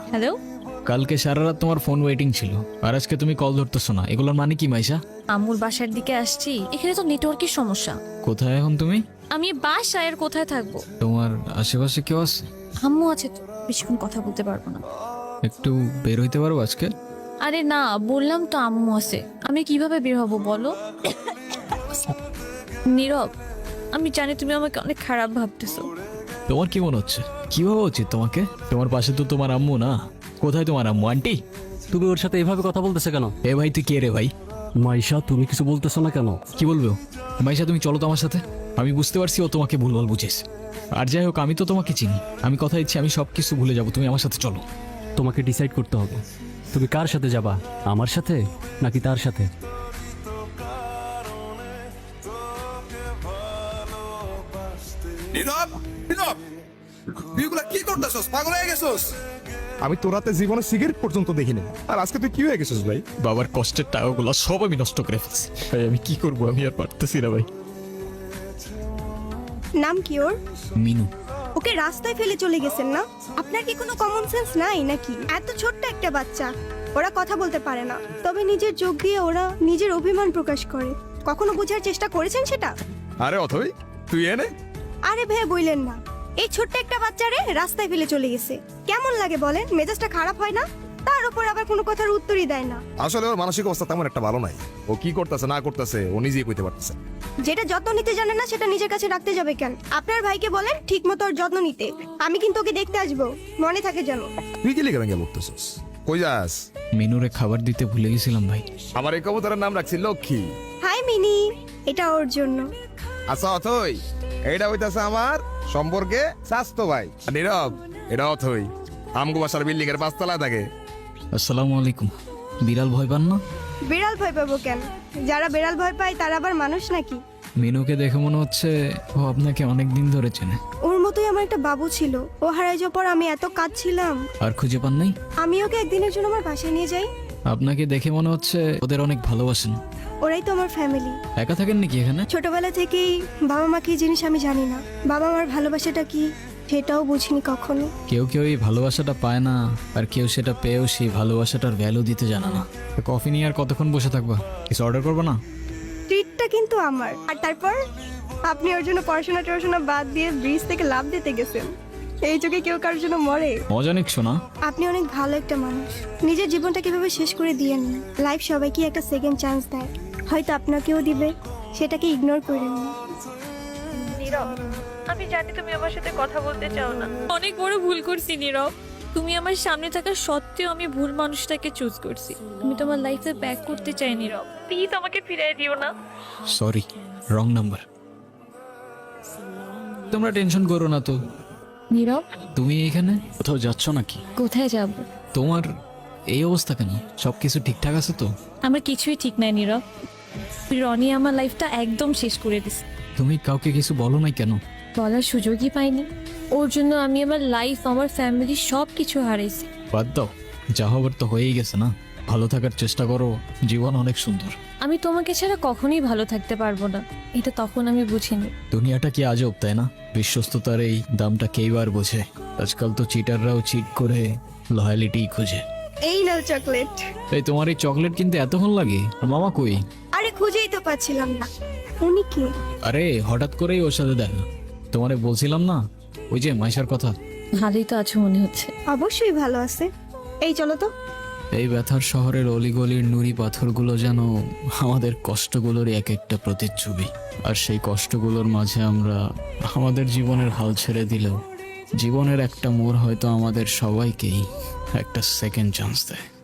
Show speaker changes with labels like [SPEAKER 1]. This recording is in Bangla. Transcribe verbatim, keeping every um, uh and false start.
[SPEAKER 1] হ্যালো,
[SPEAKER 2] কালকে সারা রাত তোমার ফোন ওয়েটিং ছিল আর আজকে তুমি কল ধরতেছো না, এগুলোর মানে কি মাইশা?
[SPEAKER 1] আম্মুর বাসার দিকে আসছি, এখানে তো নেটওয়ার্কের সমস্যা।
[SPEAKER 2] কোথায় এখন তুমি?
[SPEAKER 1] আমি বাসায় আর কোথায় থাকবো?
[SPEAKER 2] তোমার আশেপাশে কেউ আছে?
[SPEAKER 1] আম্মু আছে তো, বেশিক্ষণ কথা বলতে পারবো না।
[SPEAKER 2] একটু বের হইতে পারো আজকে?
[SPEAKER 1] আরে না, বললাম তো আম্মু আছে, আমি কিভাবে বের হব বলো? নীরব, আমি জানি তুমি আমাকে অনেক খারাপ ভাবতেছো।
[SPEAKER 2] তোমার কি মনে হচ্ছে? কি ভাবা উচিত তোমাকে? তোমার পাশে তো তোমার আম্মু না। কোথায় তোমার আম্মু? আন্টি?
[SPEAKER 3] তুমি ওর সাথে এভাবে কথা বলতেছে কেন?
[SPEAKER 2] এ ভাই তুই কে রে ভাই?
[SPEAKER 3] মাইশা, তুমি কিছু বলতেছো না কেন?
[SPEAKER 2] কি বলবো? মাইশা তুমি চলো তো আমার সাথে। আমি বুঝতে পারছি ও তোমাকে ভুলভাল বুঝেছ। আর যাই হোক, আমি তো তোমাকে চিনি। আমি কথা দিচ্ছি আমি সব কিছু ভুলে যাবো, তুমি আমার সাথে চলো।
[SPEAKER 3] তোমাকে ডিসাইড করতে হবে, তুমি কার সাথে যাবা, আমার সাথে নাকি তার সাথে?
[SPEAKER 4] নীরব, নীরব, তুই এগুলা কি করতেছস? পাগল হয়ে গেছস?
[SPEAKER 5] আমি তোর হাতে জীবনে সিগারেট পর্যন্ত দেখিনি, আর আজকে তুই কি হয়ে গেছিস ভাই?
[SPEAKER 2] বাবার কষ্টের টাকাগুলো সব আমি নষ্ট করে ফেলছি ভাই। আমি কি করবো? আমি আর পারতেছি না ভাই।
[SPEAKER 6] নাম কি ওর?
[SPEAKER 2] মিনু।
[SPEAKER 6] ওকে রাস্তায় ফেলে চলে গেছেন না? আপনার কি কোনো কমন সেন্স নাই নাকি? এত ছোট্ট একটা বাচ্চা, ওরা কথা বলতে পারে না, তবে নিজের চোখ দিয়ে ওরা নিজের অভিমান প্রকাশ করে। কখনো বোঝার চেষ্টা করেছেন সেটা?
[SPEAKER 5] আরে অথই, তুই এনে
[SPEAKER 6] আরে ভে বইলেন না, এই ছোট্ট একটা বাচ্চারে রাস্তায় ফেলে চলে গেছে। কেমন লাগে বলেন? মেজাজটা খারাপ হয় না? তার উপর আবার কোনো কথার উত্তরই দেয় না।
[SPEAKER 5] আসলে ওর মানসিক অবস্থা তেমন একটা ভালো নাই। ও কি করতেছে না করতেছে ও নিজেই কইতে পারতেছে।
[SPEAKER 6] যেটা যত্ন নিতে জানে না সেটা নিজের কাছে রাখতে যাবে কেন? আপনার ভাইকে বলেন ঠিক মতো ওর যত্ন নিতে। আমি কিন্তু ওকে দেখতে আসবো, মনে থাকে যেন।
[SPEAKER 5] তুই কি লিখে ভেঙে বলতেছিস? কই যাস?
[SPEAKER 2] মিনুরে খাবার দিতে ভুলে গেছিলাম ভাই।
[SPEAKER 5] আমার এই কবুতরের নাম রাখছি লক্ষ্মী।
[SPEAKER 6] হাই মিনি, এটা ওর জন্য।
[SPEAKER 5] আচ্ছা অথই, এইটা হইতাছে আমার সম্পর্কে স্বাস্থ্য ভাই। আর নীরব, এটা অথই আমগো বাসার বিল্ডিং এর পাঁচতলায় থাকে।
[SPEAKER 2] আসসালামু আলাইকুম। বিড়াল ভয় পান না?
[SPEAKER 6] বিড়াল ভয় পাবো কেন? যারা বিড়াল ভয় পায় তারা আবার মানুষ নাকি?
[SPEAKER 2] মিনুকে দেখে মনে হচ্ছে ও আপনাকে অনেক দিন ধরে চেনে।
[SPEAKER 6] ওর মতোই আমার একটা বাবু ছিল, ও হারাই যাওয়ার পর আমি এত কাঁদছিলাম।
[SPEAKER 2] আর খুঁজে পান নাই?
[SPEAKER 6] আমি ওকে একদিনের জন্য আমার বাসায় নিয়ে যাই।
[SPEAKER 2] আপনাকে দেখে মনে হচ্ছে ওদের অনেক ভালোবাসেন।
[SPEAKER 6] ওরাই তো আমার ফ্যামিলি।
[SPEAKER 2] একা থাকেন নাকি এখানে?
[SPEAKER 6] ছোটবেলা থেকেই বাবা মা কি জিনিস আমি জানি না, বাবা মার ভালোবাসাটা কি সেটাও বুঝিনি কখনো।
[SPEAKER 2] কেউ কেউ এই ভালোবাসাটা পায় না, আর কেউ সেটা পেয়েও সেই ভালোবাসাটার ভ্যালু দিতে জানে না। তো কফি নিয়ে আর কতক্ষণ বসে থাকবা? কিছু অর্ডার করবো না?
[SPEAKER 6] ট্রিটটা কিন্তু আমার। আর তারপর আপনি ওর জন্য পড়াশোনা টড়াশোনা বাদ দিয়ে ব্রিজ থেকে লাভ দিতে গেছেন। এই যুগে কেউ কারোর জন্য মরে?
[SPEAKER 2] মজা নিচ্ছ না?
[SPEAKER 6] আপনি অনেক ভালো একটা মানুষ। নিজের জীবনটা কিভাবে শেষ করে দিয়েন না। লাইফ সবাইকে একটা সেকেন্ড চান্স দেয়, হয়তো আপনাকেও দিবে, সেটাকে ইগনোর করেন না।
[SPEAKER 1] নীরব, আমি জানি তুমি আমার সাথে কথা বলতে চাও না। অনেক বড় ভুল করছি নীরব। তুমি আমার সামনে থাকা সত্ত্বেও আমি ভুল মানুষটাকে চুজ করছি। আমি তোমার লাইফে ব্যাক করতে চাই নীরব, প্লিজ আমাকে ফিরিয়ে দিও না।
[SPEAKER 2] Sorry, wrong number. তোমরা টেনশন করো না তো।
[SPEAKER 1] নীরব,
[SPEAKER 2] তুমি এখানে কোথাও যাচ্ছ নাকি?
[SPEAKER 1] কোথায় যাব?
[SPEAKER 2] তোমার এই অবস্থা কেন? সবকিছু ঠিকঠাক আছে তো?
[SPEAKER 1] আমার কিছুই ঠিক নাই নীরব। রনি আমার লাইফটা একদম শেষ করে দিছে।
[SPEAKER 2] তুমি কাউকে কিছু বলো নাই কেন?
[SPEAKER 1] বলার সুযোগই পাইনি। ওর জন্য আমি আমার লাইফ, আমার ফ্যামিলি সব কিছু হারাইছি।
[SPEAKER 2] বাদ দাও, যা হবার তো হয়েই গেছে না। ভালো থাকার চেষ্টা করো, জীবন অনেক সুন্দর।
[SPEAKER 1] আমি তোমাকে ছাড়া কখনোই ভালো থাকতে পারবো না, এটা তখন আমি বুঝিনি।
[SPEAKER 2] দুনিয়াটা কি আজব, তাই না? বিশ্বস্ততার এই দামটা কেই বার বোঝে। আজকাল তো চিটাররাও চিট করে লয়ালিটি খুঁজে।
[SPEAKER 6] এই নাও চকলেট।
[SPEAKER 2] এই তোমার এই চকলেট কিনতে এতক্ষণ লাগে? আর মামা কই?
[SPEAKER 6] আরে খুঁজেই তো পাচ্ছিলাম না। উনি কে?
[SPEAKER 2] আরে হঠাৎ করেই ওর সাথে দেখা। তোমারে বলছিলাম না ওই যে মাইশার কথা।
[SPEAKER 1] ভালোই তো আছো মনে হচ্ছে।
[SPEAKER 6] অবশ্যই ভালো আছে। এই চলো তো।
[SPEAKER 2] এই ব্যথার শহরের অলিগলির নুড়ি পাথরগুলো যেন আমাদের কষ্টগুলোর এক একটা প্রতিচ্ছবি। আর সেই কষ্টগুলোর মাঝে আমরা আমাদের জীবনের হাল ছেড়ে দিলেও জীবনের একটা মোড় হয়তো আমাদের সবাইকেই একটা সেকেন্ড চান্স দেয়।